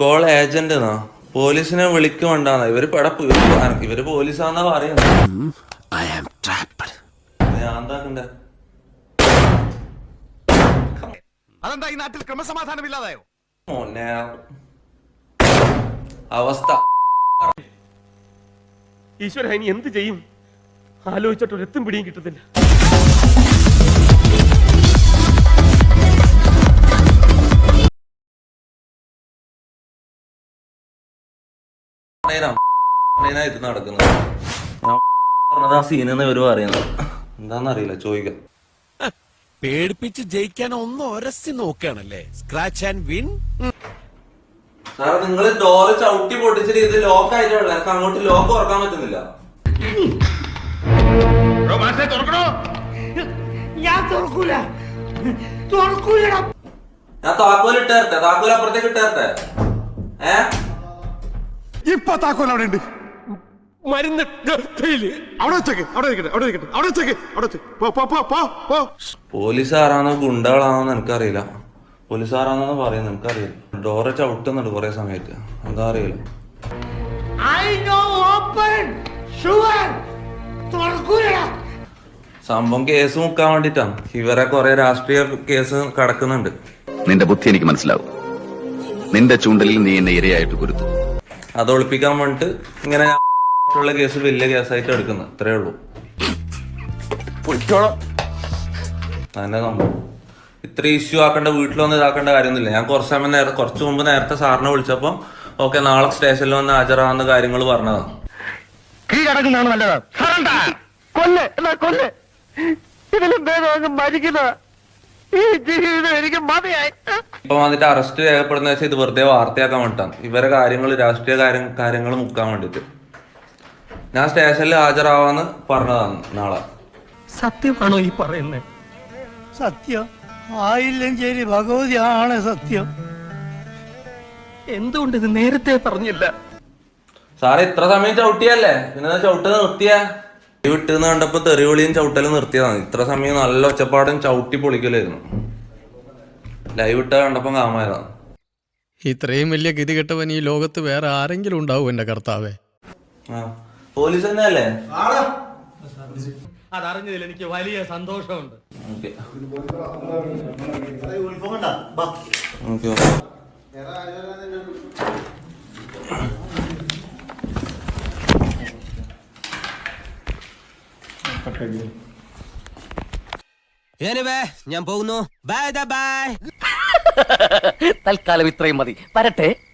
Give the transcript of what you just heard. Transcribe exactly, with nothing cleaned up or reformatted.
Call agent എന്നാ പോലീസിനെ വിളിക്കുണ്ടാന്ന ഇവര് പടപ്പ് ഇവര് പോലീസാന്നാ പറയുന്നത്. ഞാൻ എന്താക്കണ്ടേ? അതെന്താ ഈ നാട്ടിൽ ക്രമസമാധാനം ഇല്ലാതായോ? മോനെ അവസ്ഥ ഈശ്വര, ഇനി എന്ത് ചെയ്യും? ആലോചിച്ചിട്ട് ഒരെത്തും പിടിയും കിട്ടത്തില്ല. ഇത് നടക്കുന്നത് പറഞ്ഞത് ആ സീനെന്ന് ഇവര് പറയുന്നത് എന്താന്നറിയില്ല, ചോദിക്കാം. പേടിപ്പിച്ച് ജയിക്കാൻ ഒന്ന് ഒരസി നോക്കുകയാണല്ലേ? Scratch and win. സാറേ നിങ്ങള് ഡോറ് ചവിട്ടി പൊട്ടിച്ചിട്ട് ഇത് ലോക്ക് ആയിട്ടുള്ള എനിക്ക് അങ്ങോട്ട് ലോക്ക് തുറക്കാൻ പറ്റുന്നില്ല. ഞാൻ താക്കോൽ ഇട്ടേരട്ടെ? താക്കോൽ അപ്പുറത്തേക്ക് ഇട്ടേരട്ടെ? ഏ ഇപ്പൊ താക്കോൽ അവിടെ ഉണ്ട്. മരുന്ന് അവിടെ വെച്ചേക്ക്, അവിടെ ഇരിക്കട്ടെ, അവിടെ ഇരിക്കട്ടെ, അവിടെ വെച്ചേക്ക്, അവിടെ വെച്ച് പോ പോ പോ പോ പോ. പോലീസുകാരാണോ ഗുണ്ടകളാണോന്ന് എനിക്കറിയില്ല. പോലീസുകാരാണെന്ന് പറയുന്നത് എനിക്കറിയില്ല. ഡോറ് ചവിട്ടുന്നുണ്ട് കൊറേ സമയത്ത്, എന്താ അറിയില്ല. സംഭവം കേസ് മുക്കാൻ വേണ്ടിട്ടാണ്. ഇവരെ കൊറേ രാഷ്ട്രീയ കേസ് കടക്കുന്നുണ്ട്. നിന്റെ ബുദ്ധി എനിക്ക് മനസ്സിലാവും. നിന്റെ ചൂണ്ടലിൽ നീ എന്നെ ഇരയായിട്ട് കുരുത്തു. അത് ഒളിപ്പിക്കാൻ വേണ്ടിട്ട് ഇങ്ങനെ ഉള്ള കേസ് വലിയ കേസായിട്ട് എടുക്കുന്നത്, അത്രേ ഉള്ളൂ. അതന്നെ സംഭവം. ഇത്ര ഇഷ്യൂ ആക്കേണ്ട, വീട്ടിലൊന്നും ഇതാക്കേണ്ട കാര്യമൊന്നുമില്ല. ഞാൻ കുറച്ച് സമയം നേരത്തെ കുറച്ച് മുമ്പ് നേരത്തെ സാറിനെ വിളിച്ചപ്പോ ഓക്കെ നാളെ സ്റ്റേഷനിൽ വന്ന് ഹാജരാകുന്ന കാര്യങ്ങൾ പറഞ്ഞതാണ്. കീഴടങ്ങുന്നതാണ് നല്ലത്. കൊല്ല് എന്നാ കൊല്ല്, ഇതിലും ഭേദം മരിക്കുന്ന ഈ ജീവിതം എനിക്ക് മതിയായി. ഇപ്പൊ വന്നിട്ട് അറസ്റ്റ് രേഖപ്പെടുന്ന വെച്ചാൽ ഇത് വെറുതെ വാർത്തയാക്കാൻ വേണ്ടിട്ടാണ്. ഇവരെ കാര്യങ്ങൾ രാഷ്ട്രീയ കാര്യം കാര്യങ്ങൾ മുക്കാൻ വേണ്ടിട്ട് ഞാൻ സ്റ്റേഷനിൽ ഹാജരാവാന്ന് പറഞ്ഞതാണ് നാളെ. സത്യമാണോ ഈ പറയുന്നത്? സത്യം ആയില്ലെങ്കിൽ ഭഗവതിയാണ് സത്യം. എന്തുകൊണ്ട് ഇത് നേരത്തെ പറഞ്ഞില്ല? സാറേ ഇത്ര സമയം ചവിട്ടിയല്ലേ, പിന്നെ ചവിട്ട് നിർത്തിയാ? വിട്ടെന്ന് കണ്ടപ്പോ തെറിവിളിയും ചവിട്ടലും നിർത്തിയതാണ്. ഇത്ര സമയം നല്ല ഒച്ചപ്പാടും ചവിട്ടി പൊളിക്കലായിരുന്നു. ലൈവ് ഇട്ട കണ്ടപ്പോ കാമായതാണ്. ഇത്രയും വലിയ ഗതികെട്ടവൻ ഈ ലോകത്ത് വേറെ ആരെങ്കിലും ഉണ്ടാവും എന്റെ കർത്താവേ? ആ പോലീസ് തന്നെയല്ലേ? അതറിഞ്ഞതിൽ എനിക്ക് വലിയ സന്തോഷമുണ്ട്. ഓക്കെ ഞാൻ പോകുന്നു. Bye bye. തൽക്കാലം ഇത്രയും മതി. വരട്ടെ.